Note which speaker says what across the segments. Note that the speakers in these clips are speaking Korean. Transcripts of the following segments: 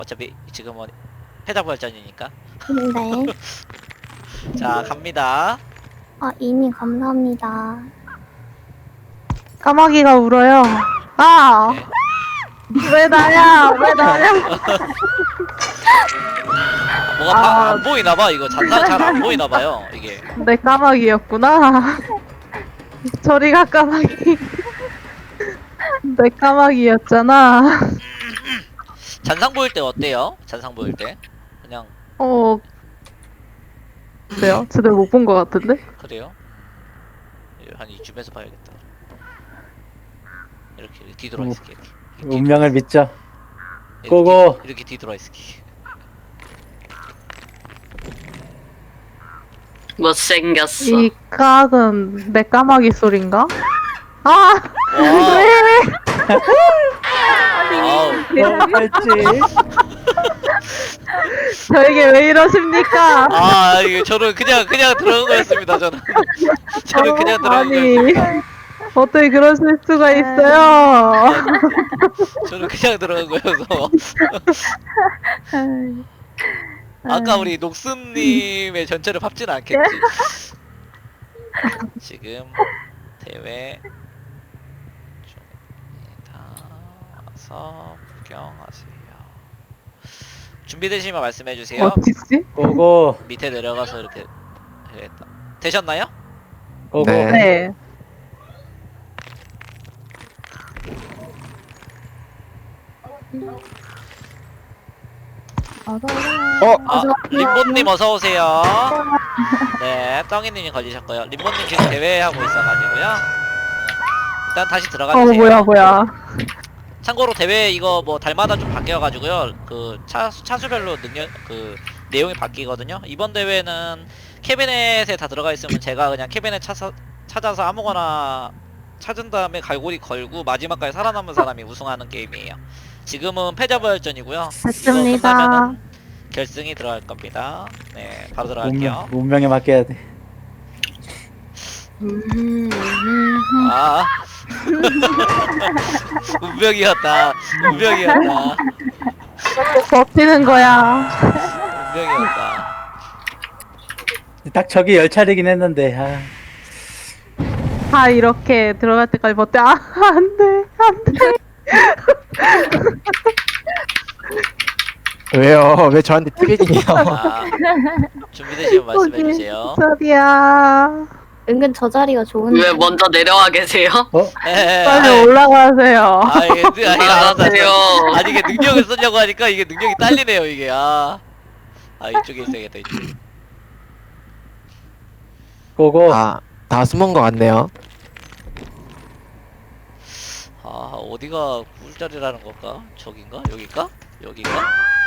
Speaker 1: 어차피 지금은 패자부활전이니까.
Speaker 2: 네.
Speaker 1: 자, 갑니다.
Speaker 2: 이미 감사합니다.
Speaker 3: 까마귀가 울어요. 아!
Speaker 1: 네.
Speaker 3: 왜 나야? 왜 나야?
Speaker 1: 뭐가 안 보이나봐. 이거 잔상 잘 안 보이나봐요. 이게.
Speaker 3: 내 까마귀였구나. 저리가 까마귀. 내 까마귀였잖아.
Speaker 1: 잔상 보일 때 어때요? 잔상 보일 때? 그냥
Speaker 3: 그래요? 제대로 못 본 것 같은데?
Speaker 1: 그래요? 한 이쯤에서 봐야겠다. 이렇게 뒤돌아 있을게. 이렇게.
Speaker 4: 운명을 믿자.
Speaker 1: 이렇게,
Speaker 4: 고고.
Speaker 1: 이렇게 뒤돌아 있을게.
Speaker 5: 못생겼어.
Speaker 3: 이 깍은 내 까마귀 소린가? 아!
Speaker 1: 와. 아우.
Speaker 4: 할지.
Speaker 3: 저에게 왜 이러십니까?
Speaker 1: 아, 이게 저는 그냥 들어간 거였습니다. 저는 그냥 들어간
Speaker 3: 아니,
Speaker 1: 거였어요.
Speaker 3: 어떻게 그러실 수가 있어요?
Speaker 1: 저는 그냥 들어간 거여서. 아까 우리 녹슨님의 전체를 밟지는 않겠지. 지금 대회 중입니다. 구경하세요. 준비되시면 말씀해주세요.
Speaker 3: 어디지?
Speaker 4: 고고.
Speaker 1: 밑에 내려가서 이렇게 해야겠다. 되셨나요?
Speaker 4: 고고.
Speaker 6: 네.
Speaker 3: 네.
Speaker 1: 림보님 어서 오세요. 네, 떡이님이 걸리셨고요. 림보님 지금 대회하고 있어가지고요. 일단 다시 들어가주세요.
Speaker 3: 뭐야.
Speaker 1: 참고로 대회 이거 뭐 달마다 좀 바뀌어가지고요. 그 차수별로 능력 그 내용이 바뀌거든요. 이번 대회는 캐비넷에 다 들어가 있으면 제가 그냥 캐비넷 찾아서 아무거나 찾은 다음에 갈고리 걸고 마지막까지 살아남은 사람이 우승하는 게임이에요. 지금은 패자부활전이고요.
Speaker 3: 됐습니다.
Speaker 1: 결승이 들어갈 겁니다. 네, 바로 들어갈게요.
Speaker 4: 운명에 맡겨야 돼.
Speaker 1: 아, 운명이었다. 운명이었다.
Speaker 3: 버티는 거야.
Speaker 1: 운명이었다.
Speaker 4: 딱 저기 열 차례긴 했는데. 아.
Speaker 3: 다 이렇게 들어갈 때까지 버텨. 아, 안 돼. 안 돼.
Speaker 6: 왜요? 왜 저한테 피해지네요?
Speaker 1: 아, 준비되시면 말씀해주세요.
Speaker 3: 소리야.
Speaker 2: 은근 저 자리가 좋은데.
Speaker 5: 왜 먼저 내려와 계세요?
Speaker 3: 빨리 올라가세요.
Speaker 1: 아, 이게 알았어.
Speaker 5: 안녕하세요.
Speaker 1: 아니, 이게 능력을 쓰려고 하니까 이게 능력이 딸리네요, 이게. 이쪽에 있어야겠다, 이쪽에.
Speaker 4: 고고.
Speaker 6: 다 숨은 것 같네요.
Speaker 1: 어디가 꿀자리라는 걸까? 저긴가? 여긴가? 여긴가?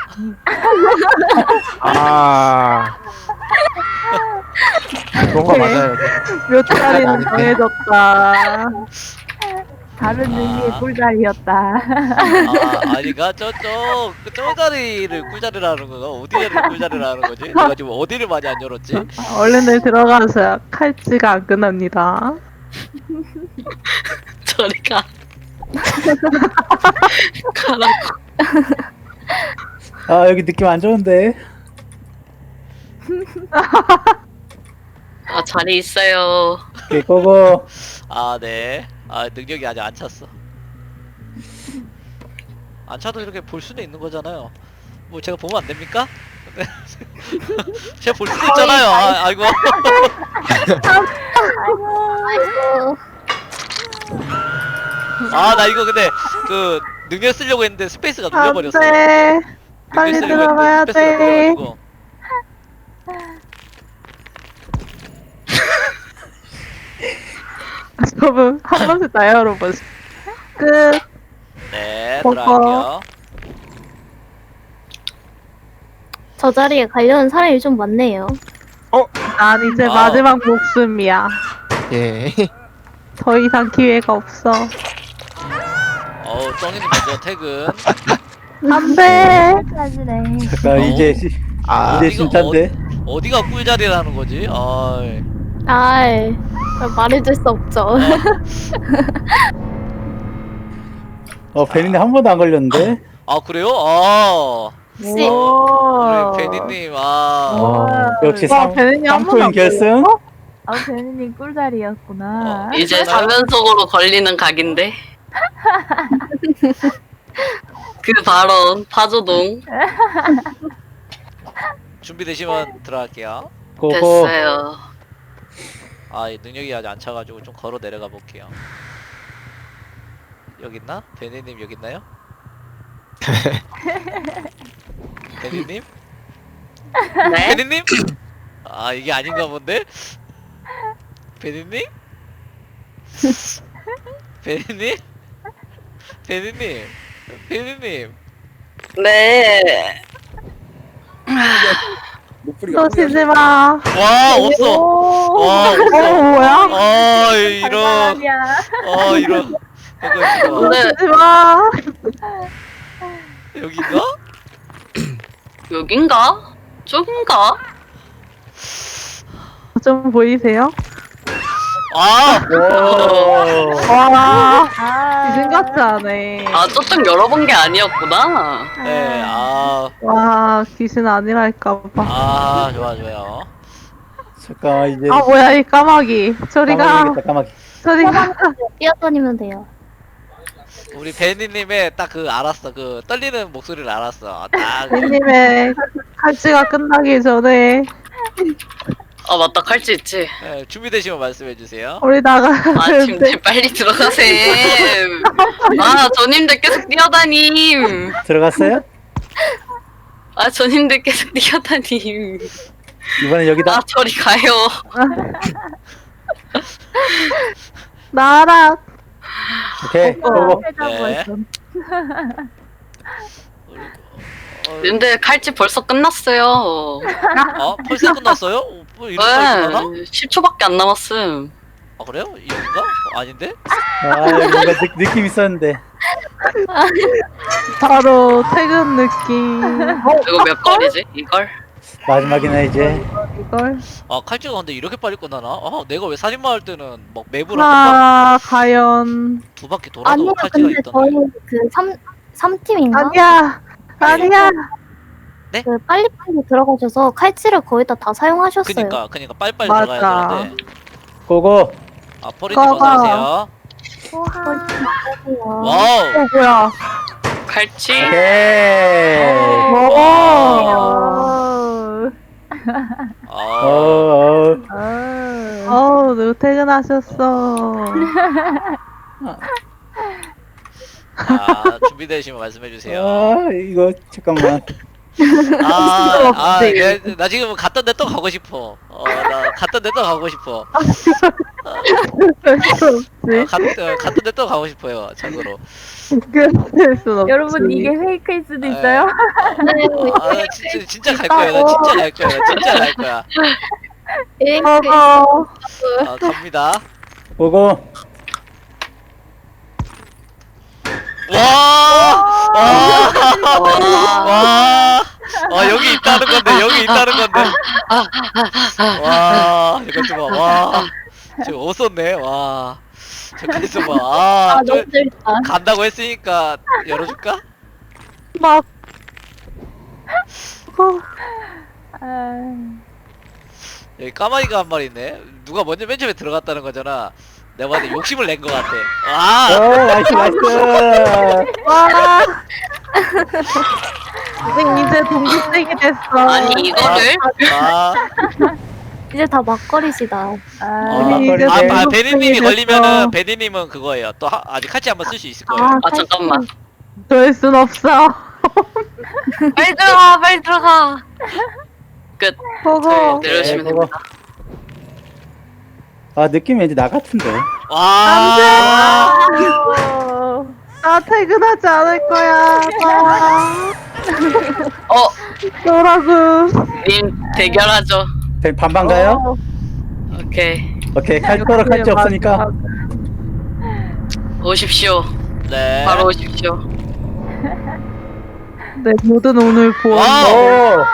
Speaker 6: 그런 거 맞아요.
Speaker 3: 몇 자리는 정해졌다.
Speaker 2: 다른
Speaker 1: 의미의
Speaker 2: 꿀자리였다.
Speaker 1: 아니가 저 자리를 꿀자리라는 건가? 어디 자리를 꿀자리라는 거지? 내가 지금 어디를 많이 안 열었지?
Speaker 3: 얼른들 들어가세요. 칼찌가 안 끝납니다.
Speaker 5: 저리가. 가라고.
Speaker 4: 아, 여기 느낌 안 좋은데.
Speaker 5: 자리 있어요.
Speaker 4: 오케이, 고고.
Speaker 1: 네. 능력이 아직 안 찼어. 안 차도 이렇게 볼 수는 있는 거잖아요. 뭐 제가 보면 안 됩니까? 제가 볼 수도 있잖아요. 아이고.
Speaker 2: 아이고.
Speaker 1: 나 이거 근데 그 능력 쓰려고 했는데 스페이스가
Speaker 3: 안
Speaker 1: 눌려버렸어.
Speaker 3: 돼. 빨리
Speaker 1: 능력 쓰려고
Speaker 3: 들어가야
Speaker 1: 했는데 스페이스가
Speaker 3: 돼.
Speaker 1: 눌려가지고.
Speaker 3: 저분 한 번씩 나요, 여러분. 끝.
Speaker 1: 네,
Speaker 3: 고고.
Speaker 1: 들어갈게요.
Speaker 2: 저 자리에 가려는 사람이 좀 많네요.
Speaker 3: 난 이제
Speaker 1: 아.
Speaker 3: 마지막 목숨이야.
Speaker 6: 예.
Speaker 3: 더 이상 기회가 없어.
Speaker 1: 떡이님 먼저 퇴근.
Speaker 3: 안 돼.
Speaker 2: 까지네.
Speaker 4: 잠깐, 이제
Speaker 1: 어디가-
Speaker 4: 진짜인데.
Speaker 1: 어디가 꿀자리라는 거지?
Speaker 2: 아이, 말해줄 수 없죠.
Speaker 4: 베린이 한 번도 안 걸렸는데.
Speaker 1: 그래요?
Speaker 2: 역시.
Speaker 3: 오.
Speaker 1: 우리 베니님,
Speaker 4: 역시
Speaker 3: 와, 베네님 한 번도
Speaker 4: 3코인
Speaker 3: 안
Speaker 4: 결승.
Speaker 7: 베네님 꿀자리였구나.
Speaker 5: 이제 3연속으로 걸리는 각인데. 그 발언 파조동
Speaker 1: 준비되시면 들어갈게요.
Speaker 4: 고고.
Speaker 5: 됐어요.
Speaker 1: 이 능력이 아직 안 차가지고 좀 걸어 내려가 볼게요. 여기 있나? 베니님 여기 있나요? 베니님?
Speaker 5: 네?
Speaker 1: 베니님? 이게 아닌가 본데? 베니님? 베니님? 베니님? 베니님?
Speaker 5: 네.
Speaker 3: 쏘시지 마.
Speaker 1: 와 없어. 와 없어.
Speaker 3: 뭐야?
Speaker 1: 이런. 이런. 잠깐만.
Speaker 5: 네.
Speaker 3: 쏘시지 마.
Speaker 1: 여기가?
Speaker 5: 여긴가? 저긴가?
Speaker 3: 좀 보이세요?
Speaker 4: 오.
Speaker 3: 와,
Speaker 7: 아,
Speaker 3: 이젠 같지 않네.
Speaker 5: 아 저쪽 열어본 게 아니었구나.
Speaker 1: 네.
Speaker 3: 와, 귀신 아니랄까봐.
Speaker 1: 좋아요.
Speaker 4: 잠깐만 이제.
Speaker 3: 아, 뭐야, 이 까마귀. 저리가,
Speaker 4: 까마귀겠다, 까마귀.
Speaker 3: 저리가.
Speaker 2: 뛰어다니면 돼요.
Speaker 1: 우리 베니님의 딱 알았어. 떨리는 목소리를 알았어. 딱.
Speaker 3: 님의 칼찌가 끝나기 전에
Speaker 5: 아 맞다 칼찌 있지.
Speaker 1: 네, 준비되시면 말씀해 주세요.
Speaker 3: 우리 나가.
Speaker 5: 아 님들 빨리 들어가셈. 아 저님들 계속 뛰어다님.
Speaker 4: 들어갔어요?
Speaker 5: 아 저님들 계속 뛰어다님.
Speaker 4: 이번엔 여기다.
Speaker 5: 아 저리 가요.
Speaker 3: 나랑.
Speaker 4: 오케이. 고고.
Speaker 1: 네.
Speaker 5: 님들 칼찌 벌써 끝났어요.
Speaker 1: 벌써 끝났어요? 뭐 이렇게 빨리 끝나나?
Speaker 5: 10초밖에 안 남았음.
Speaker 1: 그래요? 이건가? 아닌데?
Speaker 4: 뭔가 느낌 있었는데.
Speaker 3: 바로 퇴근 느낌.
Speaker 5: 이거 몇 걸이지? 이걸?
Speaker 4: 마지막이네 이제.
Speaker 3: 이걸.
Speaker 1: 칼찌가 근데 이렇게 빨리 끝나나? 내가 왜 살인마 할 때는 막 맵을
Speaker 3: 과연.
Speaker 1: 두 바퀴 돌아도
Speaker 2: 아니요,
Speaker 1: 칼찌가
Speaker 2: 근데 저희
Speaker 1: 있던데.
Speaker 2: 3팀인가?
Speaker 3: 아니야.
Speaker 2: 그 빨리빨리 들어가셔서 칼치를 거의 다 사용하셨어요.
Speaker 1: 그니까 빨리빨리
Speaker 3: 맞아.
Speaker 1: 들어가야 되는데.
Speaker 4: 고고.
Speaker 1: 포리님
Speaker 3: 고고.
Speaker 1: 어서오세요. 와우.
Speaker 3: 뭐야.
Speaker 5: 칼찌?
Speaker 4: 오케이.
Speaker 3: 오.
Speaker 4: 어.
Speaker 3: 누구 퇴근하셨어.
Speaker 1: 준비되시면 말씀해 주세요.
Speaker 4: 이거 잠깐만.
Speaker 1: 나 지금 갔던 데 또 가고 싶어. 나 갔던 데 또 가고 싶어. 갔던 데 또 가고 싶어요. 참고로.
Speaker 3: 그럴 순 없지.
Speaker 7: 여러분 이게 페이크일 수도
Speaker 1: 네.
Speaker 7: 있어요.
Speaker 1: 진짜 갈 거야. 나 진짜 갈 거야. 나 진짜 갈 거야. 갑니다.
Speaker 4: 고고.
Speaker 1: 여기 있다는 건데. 이거 좀 봐. 지금 없었네. 잠깐 있어봐.
Speaker 2: 너무 재밌다.
Speaker 1: 간다고 했으니까 열어줄까?
Speaker 3: 막.
Speaker 1: 여기 까마귀가 한 마리 있네. 누가 먼저 맨 처음에 들어갔다는 거잖아. 내가 봤을 때 욕심을 낸 것 같아.
Speaker 4: 나이스.
Speaker 3: 와. 이제 동기생이 됐어.
Speaker 5: 아니 이거를?
Speaker 2: 이제 다 막걸리시다.
Speaker 3: 우리 이제 동기생이
Speaker 1: 베니님이
Speaker 3: 됐어.
Speaker 1: 걸리면은 베니님은 그거예요. 또 아직 같이 한번 쓸 수 있을 거예요.
Speaker 5: 아 잠깐만.
Speaker 3: 될 순 없어.
Speaker 5: 빨리 들어가. 끝.
Speaker 3: 보고.
Speaker 5: 내려오시면
Speaker 4: 고고.
Speaker 5: 됩니다.
Speaker 4: 느낌 왠지 나 같은데.
Speaker 3: 나 퇴근하지 않을 거야. 너라고.
Speaker 5: 님 대결하죠.
Speaker 4: 반반 가요?
Speaker 5: 오케이.
Speaker 4: 칼 없으니까.
Speaker 5: 오십시오.
Speaker 1: 네.
Speaker 5: 바로 오십시오.
Speaker 3: 내 모든 오늘 보험.
Speaker 4: 오.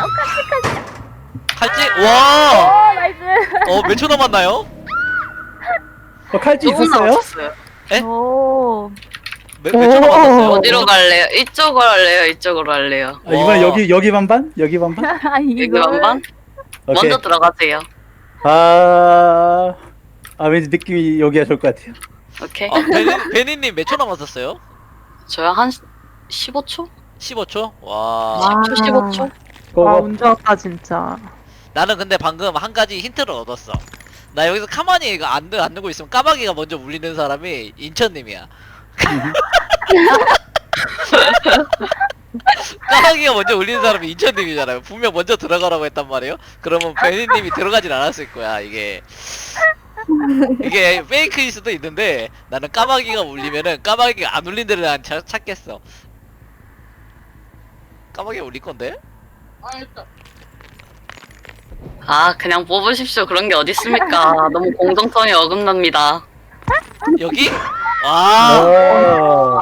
Speaker 1: 칼찌?
Speaker 7: 나이스.
Speaker 1: 몇 초 남았나요?
Speaker 4: 칼찌
Speaker 5: 조금
Speaker 4: 있었어요?
Speaker 5: 남았어요.
Speaker 7: 오.
Speaker 1: 몇 초나 맞았어요?
Speaker 5: 어디로 갈래요? 이쪽으로 할래요? 이쪽으로 할래요?
Speaker 4: 아, 이번 여기 반반? 여기 반반?
Speaker 5: 여기
Speaker 7: 이거
Speaker 5: 반반?
Speaker 4: 오케이.
Speaker 5: 먼저 들어가세요.
Speaker 4: 왠지 느낌이 여기가 좋을 것 같아요.
Speaker 5: 오케이.
Speaker 1: 베니님 몇 초 남았었어요?
Speaker 5: 저요 한 15초?
Speaker 1: 15초? 와.
Speaker 3: 와.
Speaker 5: 15초?
Speaker 3: 와,
Speaker 4: 고고.
Speaker 3: 운 좋았다, 진짜.
Speaker 1: 나는 근데 방금 한 가지 힌트를 얻었어. 나 여기서 가만히 이거 안 누고 있으면 까마귀가 먼저 울리는 사람이 인천님이야. 까마귀가 먼저 울리는 사람이 인천님이잖아요. 분명 먼저 들어가라고 했단 말이에요. 그러면 베니님이 들어가진 않았을 거야. 이게 페이크일 수도 있는데 나는 까마귀가 울리면은 까마귀가 안 울린 데를 난 찾겠어. 까마귀가 울릴 건데?
Speaker 5: 아 그냥 뽑으십시오. 그런 게 어디 있습니까? 너무 공정성이 어긋납니다.
Speaker 1: 여기? 와.
Speaker 4: 오.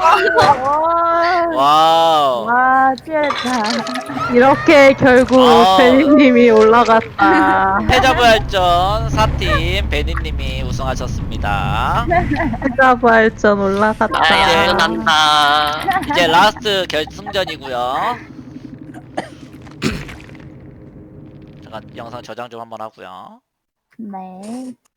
Speaker 1: 와우.
Speaker 7: 와, 치열했다.
Speaker 3: 이렇게 결국
Speaker 1: 아.
Speaker 3: 베니님이 올라갔다.
Speaker 1: 패자부활전 4팀 베니님이 우승하셨습니다.
Speaker 3: 해자부활전 올라갔다.
Speaker 5: 아 야근한다.
Speaker 1: 이제 라스트 결승전이고요. 잠깐 영상 저장 좀 한번 하고요.
Speaker 7: 네.